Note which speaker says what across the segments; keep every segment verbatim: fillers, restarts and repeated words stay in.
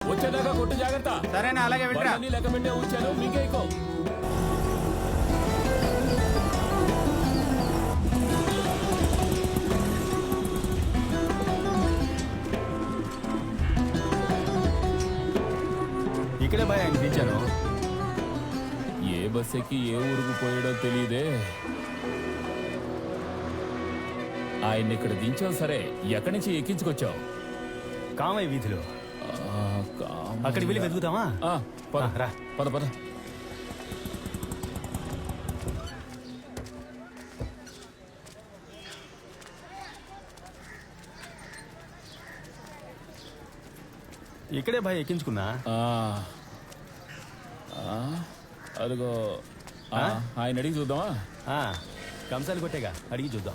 Speaker 1: వచ్చేదాకా కొట్టు జాగ్రత్త.
Speaker 2: సరేనా, అలాగే వింటా.
Speaker 1: లెక్క పెట్టే ఉంచాను, మీకేకో.
Speaker 2: ఇక్కడే భయ అనిపించాను.
Speaker 1: ఏ బస్ ఎక్కి ఏ ఊరుకు పోయాడో తెలియదే. ఆయన్ని ఇక్కడ దించావు సరే, ఎక్కడి నుంచి ఎక్కించుకొచ్చావు?
Speaker 2: కామయ్య వీధిలో. అక్కడికి వెళ్ళి వెతుకుతామా?
Speaker 1: రా పద పద.
Speaker 2: ఇక్కడే భయ ఎక్కించుకున్నా.
Speaker 1: అదిగో ఆయన అడిగి చూద్దామా?
Speaker 2: కంసాలు కొట్టేగా, అడిగి చూద్దాం.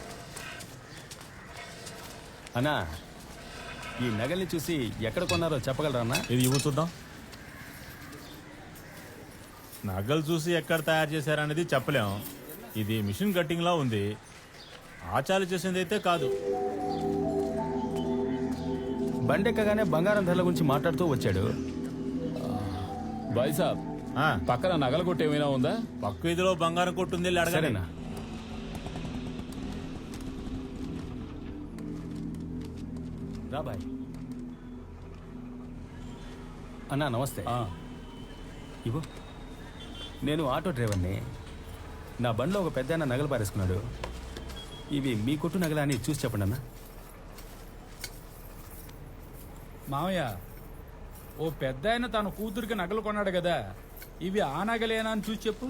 Speaker 2: అన్నా, ఈ నగల్ని చూసి ఎక్కడ కొన్నారో చెప్పగలరా అన్నా?
Speaker 3: ఇది ఇవ్వు చూద్దాం. నగలు చూసి ఎక్కడ తయారు చేశారనేది చెప్పలేం. ఇది మిషన్ కట్టింగ్ లా ఉంది. ఆచార్య చేసింది అయితే కాదు.
Speaker 2: బండెక్కగానే బంగారం ధరల గురించి మాట్లాడుతూ వచ్చాడు.
Speaker 1: బాయ్ సాబ్, పక్కన నగల కొట్టు ఏమైనా ఉందా?
Speaker 3: పక్క వీధిలో బంగారం కొట్టుంది, అడగలేనా?
Speaker 2: రా బాయ్. అన్నా నమస్తే. ఇవ్వు. నేను ఆటో డ్రైవర్ని. నా బండిలో ఒక పెద్ద నగలు పారేసుకున్నాడు. ఇవి మీ కొట్టు నగలా అని చూసి చెప్పండి అన్న.
Speaker 4: మామయ్య, ఓ పెద్ద ఆయన తన కూతురికి నగలు కొన్నాడు కదా, ఇవి ఆ నగలేనా అని చూసి చెప్పు.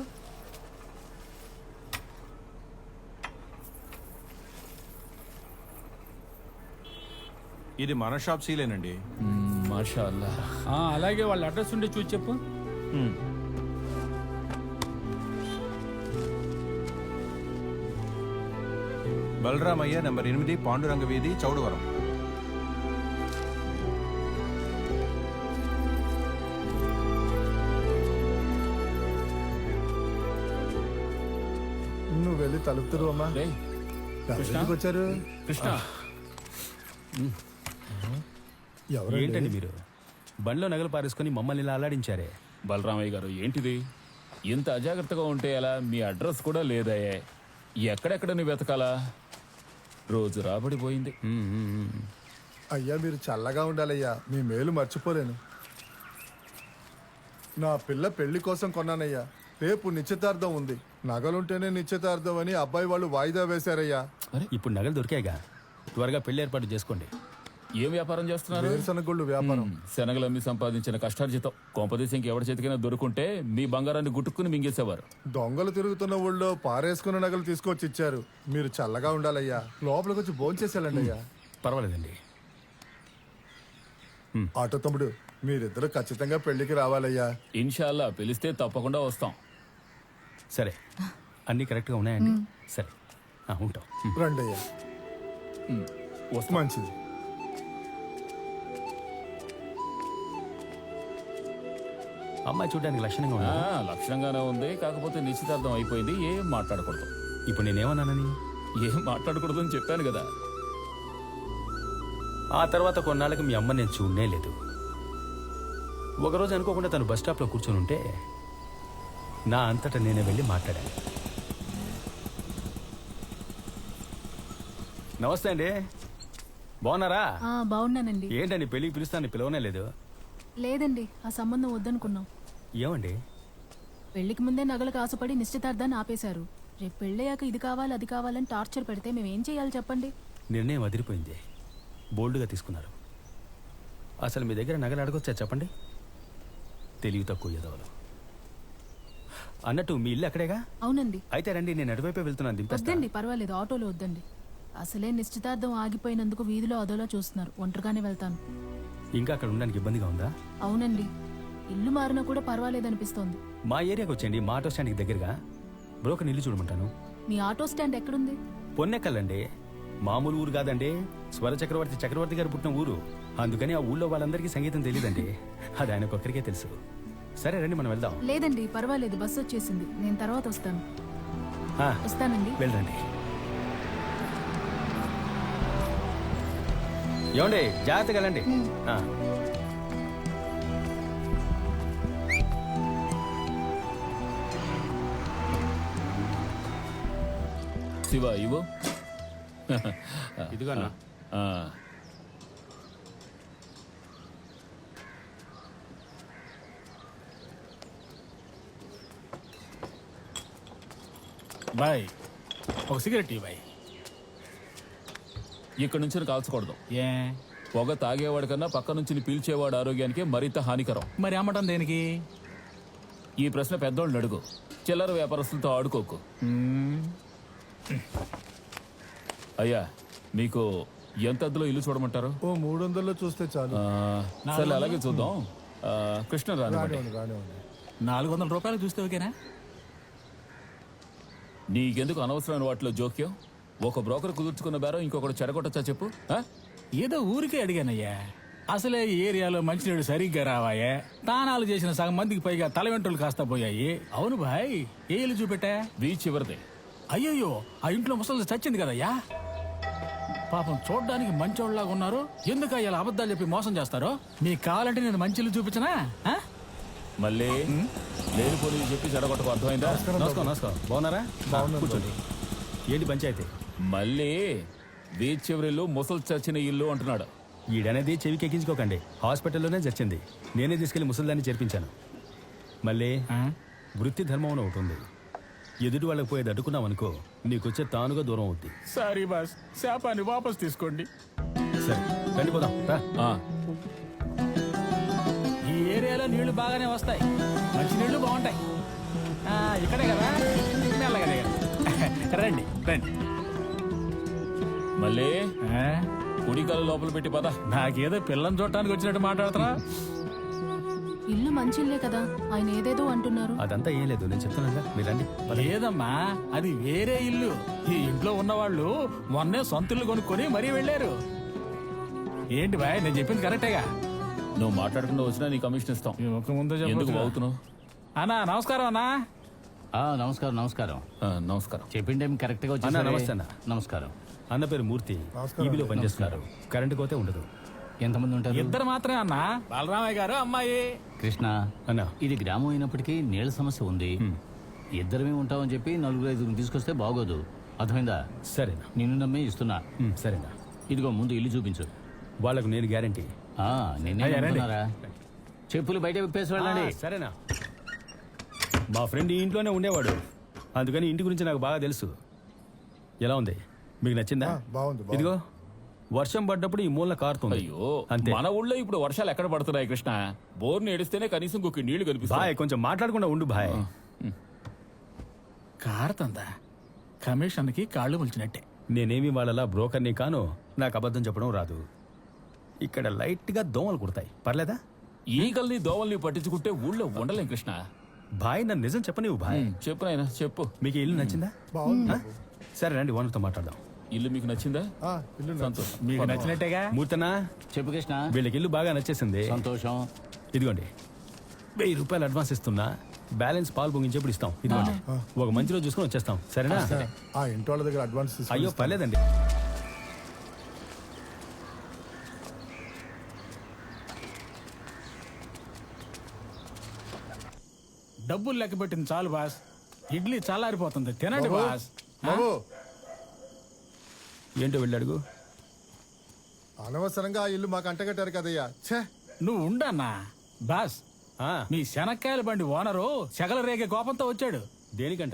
Speaker 5: ఇది మన షాప్ సీలేనండి.
Speaker 1: మాషా అల్లా.
Speaker 4: అలాగే వాళ్ళ అడ్రస్ ఉండి చూసి చెప్పు.
Speaker 5: బలరామయ్య నంబర్ ఎనిమిది, పాండురంగ వీధి, చౌడవరం.
Speaker 6: నువ్వు వెళ్ళి తలుపుతారు అమ్మా. వచ్చారు
Speaker 1: కృష్ణ.
Speaker 2: ఏంటండి మీరు బండిలో నగలు పారేసుకుని మమ్మల్ని ఇలా అల్లాడించారే?
Speaker 1: బలరామయ్య గారు, ఏంటిది ఇంత అజాగ్రత్తగా ఉంటే ఎలా? మీ అడ్రస్ కూడా లేదయ్యే. ఎక్కడెక్కడ నువ్వు వెతకాలా? రోజు రాబడిపోయింది.
Speaker 6: అయ్యా మీరు చల్లగా ఉండాలయ్యా, మీ మేలు మర్చిపోలేను. నా పిల్ల పెళ్లి కోసం కొన్నానయ్యా. రేపు నిశ్చితార్థం ఉంది. నగలుంటేనే నిశ్చితార్థం అని అబ్బాయి వాళ్ళు వాయిదా వేశారయ్యా.
Speaker 2: ఇప్పుడు నగలు దొరికాయిగా, త్వరగా పెళ్లి ఏర్పాటు చేసుకోండి.
Speaker 1: ఏం వ్యాపారం చేస్తున్నారు?
Speaker 6: వేరుశనగొళ్ళు వ్యాపారం.
Speaker 1: శనగలమ్మి సంపాదించిన కష్టార్జితం కొంపదేశంకి ఎవరి చేతికైనా దొరుకుంటే మీ బంగారాన్ని గుట్టుకుని మింగేసేవారు.
Speaker 6: దొంగలు తిరుగుతున్న ఊళ్ళో పారేసుకున్న నగలు తీసుకొచ్చి ఇచ్చారు. మీరు చల్లగా ఉండాలయ్యా. లోపలికి వచ్చి భోంచేసేయాలండి అయ్యా.
Speaker 2: పర్వాలేదండి.
Speaker 6: ఆటో తమ్ముడు, మీరిద్దరు ఖచ్చితంగా పెళ్లికి రావాలయ్యా.
Speaker 1: ఇన్షాల్లా పిలిస్తే తప్పకుండా వస్తాం.
Speaker 2: సరే, అన్ని కరెక్ట్గా ఉన్నాయండి. సరే ఉంటాం.
Speaker 6: రండి అయ్యా. మంచిది.
Speaker 2: అమ్మాయి చూడడానికి లక్షణంగా ఉంది.
Speaker 1: లక్షణంగానే ఉంది, కాకపోతే నిశ్చితార్థం అయిపోయింది. ఏం మాట్లాడకూడదు.
Speaker 2: ఇప్పుడు నేనేమన్నానని?
Speaker 1: ఏం మాట్లాడకూడదు అని చెప్పాను కదా.
Speaker 2: ఆ తర్వాత కొన్నాళ్ళకి మీ అమ్మ నేను చూడనే లేదు. ఒకరోజు అనుకోకుండా తను బస్ స్టాప్లో కూర్చొని ఉంటే నా అంతటా నేనే వెళ్ళి మాట్లాడాను. నమస్తే అండి, బాగున్నారా?
Speaker 7: బాగున్నానండి.
Speaker 2: ఏంటండి పెళ్ళికి పిలుస్తాను, పిలవనే లేదు?
Speaker 7: లేదండి, ఆ సంబంధం వద్దనుకున్నాం.
Speaker 2: ఏమండి?
Speaker 7: పెళ్లికి ముందే నగలకు ఆశపడి నిశ్చితార్థాన్ని ఆపేశారు. రేపు పెళ్ళయ్యాక ఇది కావాలి అది కావాలని టార్చర్ పెడితే మేమేం చేయాలి చెప్పండి?
Speaker 2: నిర్ణయం అదిరిపోయింది. బోల్డ్గా తీసుకున్నారు. అసలు మీ దగ్గర నగలు అడగొచ్చా చెప్పండి? తెలివి తక్కువ ఎదవలు. అన్నట్టు మీ ఇల్లు అక్కడేగా?
Speaker 7: అవునండి.
Speaker 2: అయితే రండి, నేను అటువైపే వెళ్తున్నాను. దింపేస్తా.
Speaker 7: వద్దండి, పర్వాలేదు, ఆటోలో వద్దండి. అసలే నిశ్చితార్థం ఆగిపోయినందుకు వీధిలో అదోలా చూస్తున్నారు. ఒంటరిగానే వెళ్తాను.
Speaker 2: ఇంకా అక్కడ ఉండడానికి ఇబ్బందిగా ఉందా?
Speaker 7: అవునండి, ఇల్లు మారినా కూడా పర్వాలేదనిపిస్తోంది.
Speaker 2: మా ఏరియాకి వచ్చేయండి, మా ఆటో స్టాండ్కి దగ్గరగా. బ్రోకర్ ఇల్లు చూడమంటాను.
Speaker 7: మీ ఆటో స్టాండ్ ఎక్కడుంది?
Speaker 2: పొన్నెక్కలండి, మామూలు ఊరు కాదండి. స్వర చక్రవర్తి చక్రవర్తి గారు పుట్టిన ఊరు. అందుకని ఆ ఊళ్ళో వాళ్ళందరికీ సంగీతం తెలియదండి. అది ఆయనకొక్కరికే తెలుసు. సరే రండి, మనం వెళ్దాం.
Speaker 7: లేదండి, పర్వాలేదు, బస్సు వచ్చేసింది. నేను తర్వాత వస్తాను. వస్తానండి.
Speaker 2: వెళ్ళండి. ఏమండి, జాగ్రత్తగా వెళ్ళండి.
Speaker 1: శివ ఇవ్వు.
Speaker 2: ఇదిగో అన్న.
Speaker 1: ఆ.
Speaker 4: బాయ్ ఒక సిగరెట్ ఇవ్వ బాయ్.
Speaker 1: ఇక్కడి నుంచి కాల్చకూడదు.
Speaker 4: ఏ
Speaker 1: పొగ తాగేవాడి కన్నా పక్క నుంచి పీల్చేవాడు ఆరోగ్యానికి మరింత హానికరం.
Speaker 4: మరి అమ్మటం దేనికి?
Speaker 1: ఈ ప్రశ్న పెద్దోళ్ళని అడుగు. చిల్లర వ్యాపారస్తులతో ఆడుకోకు. అయ్యా, మీకు ఎంత అద్దెలో ఇల్లు చూడమంటారు?
Speaker 6: ఓ మూడు వందల్లో చూస్తే చాలు.
Speaker 1: ఆ, సరే అలాగే చూద్దాం. ఆ, కృష్ణ రానివ్వండి.
Speaker 6: రానివ్వండి, రానివ్వండి.
Speaker 4: నాలుగు వందల రూపాయలు చూస్తే ఓకేనా?
Speaker 1: నీకెందుకు అనవసరమైన వాటిలో జోక్యం? ఒక బ్రోకర్ కుదుర్చుకున్న బేరం ఇంకొకటి చెడగొట్టచ్చా చెప్పు? ఆ?
Speaker 4: ఏదో ఊరికే అడిగానయ్యా. అసలే ఈ ఏరియాలో మంచినీడు సరిగ్గా రావాయే. తానాలు చేసిన సగం మందికి పైగా తల వెంట్రులు కాస్త పోయాయి. అవును భాయ్, ఏ ఇల్లు చూపెట్టా?
Speaker 1: బీచ్ చివరిదే.
Speaker 4: అయ్యయ్యో, ఆ ఇంట్లో ముసలి చచ్చింది కదయ్యా. పాపం చూడ్డానికి మంచోళ్ళలాగా ఉన్నారు. ఎందుకు ఇలా అబద్ధాలు చెప్పి మోసం చేస్తారో? మీకు కావాలంటే నేను మంచి ఇల్లు చూపించనా? ఆ?
Speaker 1: మళ్ళీ లేని పోనీ చెప్పి చెడగొట్టకు, అర్థమైందా?
Speaker 2: నమస్కారం నమస్కారం. బాగున్నారా?
Speaker 6: బాగున్నాను
Speaker 2: కూర్చోండి. ఏంటి పంచాయతీ?
Speaker 1: మళ్ళీ బీచ్ చివరిల్లు ముసలు చచ్చిన ఇల్లు అంటున్నాడు.
Speaker 2: ఈడనేది చెవికి ఎక్కించుకోకండి. హాస్పిటల్లోనే చచ్చింది. నేనే తీసుకెళ్లి ముసలిదాన్ని చేర్పించాను. మళ్ళీ
Speaker 4: ఆ?
Speaker 2: వృత్తి ధర్మం అని ఒకటి ఉంది. ఎదుటి వాళ్ళకి పోయేది అడ్డుకున్నాం అనుకో, నీకొచ్చే తానుగా దూరం అవుద్ది.
Speaker 4: సారీ బాస్, శాపాన్ని వాపస్ తీసుకోండి.
Speaker 2: సరే రండి పోదాం రా.
Speaker 1: ఆ,
Speaker 4: ఈ ఏరియాలో నీళ్లు బాగానే వస్తాయి, మంచి నీళ్లు బాగుంటాయి. ఆ, ఇక్కడే కదా, మెల్లగా దిగండి. రండి రండి.
Speaker 1: మళ్ళీ
Speaker 4: ఆ?
Speaker 1: కుడికాలు లోపల పెట్టి పద.
Speaker 4: నాకేదో పిల్లని చూడటానికి వచ్చినట్టు మాట్లాడుతున్నా.
Speaker 7: ఇల్లు మంచి ఇల్లే కదా, ఆయన ఏదేదో అంటున్నారు.
Speaker 2: అదంతా ఏం లేదు, నేను చెప్తాను మీరు రండి.
Speaker 4: లేదమ్మా, అది వేరే ఇల్లు. ఈ ఇంట్లో ఉన్నవాళ్ళు మొన్నే సొంత ఇల్లు కొనుక్కొని మరీ వెళ్ళారు. ఏంటి బాయ్, నేను చెప్పింది కరెక్టేగా?
Speaker 1: నువ్వు మాట్లాడకుండా వచ్చినా నీ కమిషన్ ఇస్తాం.
Speaker 4: ఈ ముఖం ముందు
Speaker 1: ఎందుకు
Speaker 4: చెప్పొచ్చుగా.
Speaker 1: అవుతున్నావు?
Speaker 4: అన్నా నమస్కారం అన్నా.
Speaker 8: ఆ, నమస్కారం నమస్కారం.
Speaker 1: నమస్కారం.
Speaker 8: చెప్పిన టైం కరెక్ట్గా
Speaker 2: అన్నా,
Speaker 8: వచ్చారు.
Speaker 2: నమస్తే అన్న.
Speaker 8: నమస్కారం.
Speaker 2: అన్న పేరు మూర్తి. ఈబీలో పనిచేస్తున్నారు. కరెంటు కోతే ఉండదు.
Speaker 8: ఎంతమంది ఉంటారు?
Speaker 4: ఇద్దరు మాత్రమే అన్నా, బలరామయ్య గారు అమ్మాయి.
Speaker 8: కృష్ణ,
Speaker 2: అన్న
Speaker 8: ఇది గ్రామం అయినప్పటికీ నీళ్ళ సమస్య ఉంది. ఇద్దరమే ఉంటామని చెప్పి నలుగురు ఐదుగురు తీసుకొస్తే బాగోదు. అర్థమైందా?
Speaker 2: సరేనా?
Speaker 8: నిన్ను నమ్మి ఇస్తున్నా.
Speaker 2: ఉమ్, సరేనా?
Speaker 8: ఇదిగో ముందు ఇల్లు చూపించు.
Speaker 2: వాళ్ళకు నేను గ్యారంటీ.
Speaker 8: ఆ, నిన్నే
Speaker 4: అయ్యా, రండి.
Speaker 8: నమ్ముతున్నారా? చెప్పులు బయట విప్పేసి వెళ్ళండి.
Speaker 2: సరేనా? మా ఫ్రెండ్ ఈ ఇంట్లోనే ఉండేవాడు, అందుకని ఇంటి గురించి నాకు బాగా తెలుసు. ఎలా ఉంది, మీకు నచ్చిందా?
Speaker 6: ఆ, బాగుంది, బాగుంది.
Speaker 2: ఇదిగో వర్షం పడ్డప్పుడు ఈ మూలన కారుతుంది.
Speaker 1: అయ్యో,
Speaker 2: అంతే.
Speaker 1: మన ఊళ్ళో ఇప్పుడు వర్షాలు ఎక్కడ పడుతున్నాయి కృష్ణ? బోర్ని ఎడిస్తేనే కనీసం కుక్కి నీళ్లు
Speaker 2: బాయ్,
Speaker 1: కనిపిస్తాయి.
Speaker 2: కొంచెం మాట్లాడకుండా ఉండు బాయ్.
Speaker 4: కారుతందా కమిషన్కి కాళ్ళు ములిచినట్టే.
Speaker 2: నేనేమి వాళ్ళలా బ్రోకర్ని కాను, నాకు అబద్ధం చెప్పడం రాదు. ఇక్కడ లైట్ గా దోమలు కుడతాయి, పర్లేదా?
Speaker 1: ఈగల్ని దోవల్ని పట్టించుకుంటే ఊళ్ళో ఉండలేం కృష్ణ.
Speaker 2: బాయ్, నన్ను నిజం చెప్పనివ్వు బాయ్.
Speaker 1: చెప్పు నాయనా, చెప్పు.
Speaker 2: మీకు ఈ ఇల్లు నచ్చిందా?
Speaker 6: బాగుంది
Speaker 2: ఆ? సరే రండి, ఓనర్తో మాట్లాడదాం.
Speaker 1: ఇల్లు మీకు నచ్చిందా?
Speaker 6: ఆ, ఇల్లు నచ్చింది.
Speaker 1: సంతోషం.
Speaker 4: మీకు నచ్చినట్టేగా?
Speaker 2: మూర్తనా,
Speaker 8: చెప్పు కృష్ణ.
Speaker 2: వీళ్ళకి ఇల్లు బాగా నచ్చేసింది.
Speaker 8: సంతోషం.
Speaker 2: ఇదిగోండి, వెయ్యి రూపాయలు అడ్వాన్స్ ఇస్తున్నా, బ్యాలెన్స్ పాలు పొంగించేప్పుడు ఇస్తాం. ఇదిగోండి, ఒక మంచి రోజు చూసుకొని వచ్చేస్తాం. సరేనా?
Speaker 6: ఆ ఇంటి వాళ్ళ దగ్గర అడ్వాన్స్ తీసుకొని
Speaker 2: అయ్యో
Speaker 6: ఇస్తాను.
Speaker 2: పర్లేదండి.
Speaker 4: డబ్బులు లెక్క పెట్టింది చాలు బాస్. ఇడ్లీ చల్లారిపోతుంది, తినండి
Speaker 6: బాబు,
Speaker 4: బాస్.
Speaker 6: బాబు,
Speaker 2: ఏంటో వెళ్ళి అడుగు.
Speaker 6: అనవసరంగా ఆ ఇల్లు మాకు అంటగట్టారు కదయ్యా. ఛే,
Speaker 4: నువ్వు ఉండన్నా బాస్.
Speaker 2: ఆ,
Speaker 4: మీ శనక్కాయల బండి ఓనరు సెగల రేగే కోపంతో వచ్చాడు.
Speaker 2: దేనికంట?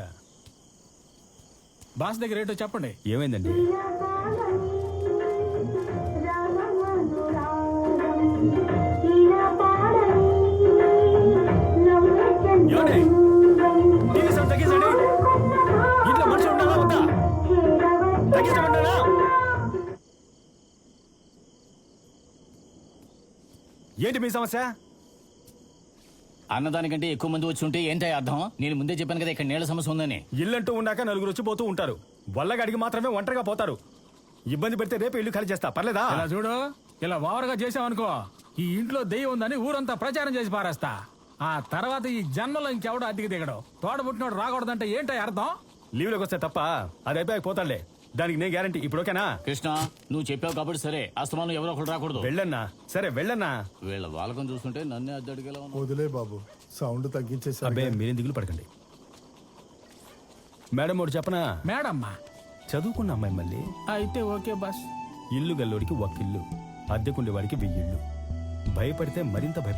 Speaker 4: బాస్ దగ్గర ఏంటో చెప్పండి.
Speaker 2: ఏమైందండి? ఏమండి? టీవీ సౌండ్ తగ్గించండి. ఇంట్లో మనుషులు ఉన్నారా వద్దా? తగ్గించమంటారా? ఏంటి మీ సమస్య?
Speaker 8: అన్నదానికంటే ఎక్కువ మంది వచ్చి ఉంటే ఏంటో అర్థం. నేను ముందే చెప్పాను కదా ఇక్కడ నీళ్ళ సమస్య ఉందని.
Speaker 2: ఇల్లంటూ ఉన్నాక నలుగురు వచ్చి పోతూ ఉంటారు. వల్లగడికి మాత్రమే ఒంటరిగా పోతారు. ఇబ్బంది పెడితే రేపు ఇల్లు ఖాళీ చేస్తా, పర్లేదా?
Speaker 4: ఇలా చూడు, ఇలా ఓవర్గా చేసావనుకో, ఈ ఇంట్లో దెయ్యం ఉందని ఊరంతా ప్రచారం చేసి పారేస్తా. ఆ తర్వాత ఈ జన్మలో ఇంకెవడో అద్దెకి దిగడు. తోడబుట్టినోడు రాకూడదంటే ఏంటో అర్థం?
Speaker 2: లీవ్లోకి వస్తే తప్ప అది అయిపోయాక పోతాడులే. దానికి నేను గ్యారంటీ. ఇప్పుడు ఓకేనా?
Speaker 8: కృష్ణ, నువ్వు చెప్పావు కాబట్టి సరే. అస్తమానం ఎవరో ఒకరు రాకూడదు.
Speaker 2: వెళ్ళన్నా. సరే వెళ్ళన్నా.
Speaker 8: వీళ్ళ వాళ్ళకం చూస్తుంటే నన్నే అద్దె అడిగేలా ఉన్నావు.
Speaker 6: వదిలే బాబు, సౌండ్ తగ్గించేసారు.
Speaker 2: అబ్బే మీరేం దిగులు పడకండి. మేడం ఒకటి చెప్పనా?
Speaker 4: మేడమ్మా,
Speaker 2: చదువుకున్న అమ్మాయి మళ్ళీ.
Speaker 4: అయితే ఓకే బాస్.
Speaker 2: ఇల్లు గల్లోడికి ఒక్కిల్లు, అద్దెకుండేవాడికి వెయ్యిళ్ళు. భయపడితే మరింత భయపడి